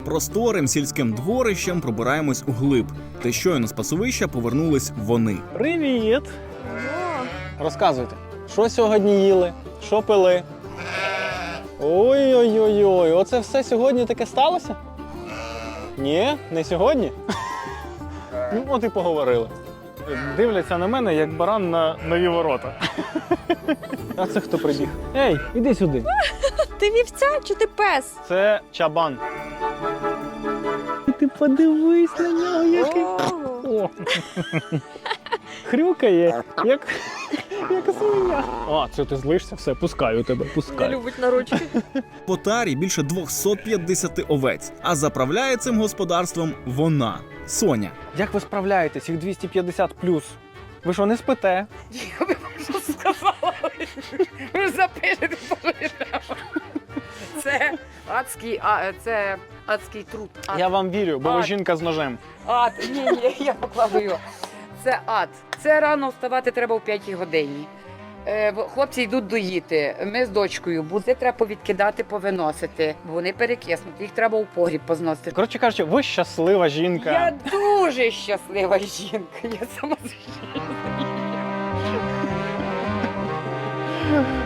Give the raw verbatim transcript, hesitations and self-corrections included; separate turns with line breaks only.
Просторим сільським дворищем пробираємось у глиб. Та щойно з пасовища повернулись вони.
Привіт! Розказуйте, що сьогодні їли, що пили? Ой-ой-ой, оце все сьогодні таке сталося? Ні, не сьогодні? Ну, от і поговорили. Дивляться на мене, як баран на нові ворота. А це хто прибіг? Ей, іди сюди.
Ти вівця чи ти пес?
Це чабан. Ти подивись на нього, який. О. Хрюкає, як, як свиня. А, це ти злишся? Все, пускаю тебе,
Не
пускаю.
любить на ручки.
По тарі більше двісті п'ятдесят овець, а заправляє цим господарством вона – Соня.
Як ви справляєтесь, їх двісті п'ятдесят плюс? Ви що, не спите?
Я би що сказала. Ви ж запишете, це адський, а, це адський труд. Ад.
Я вам вірю, бо ви
Ад.
жінка з ножем.
Ад. Ні, ні, я покладу його. Це ад. Це рано вставати треба в п'ятій годині. Е, хлопці йдуть доїти. Ми з дочкою. Буде треба повідкидати, повиносити. Бо вони перекиснуть. Їх треба у погріб позносити.
Коротше кажучи, ви щаслива жінка.
Я дуже щаслива жінка. Я сама з жінка.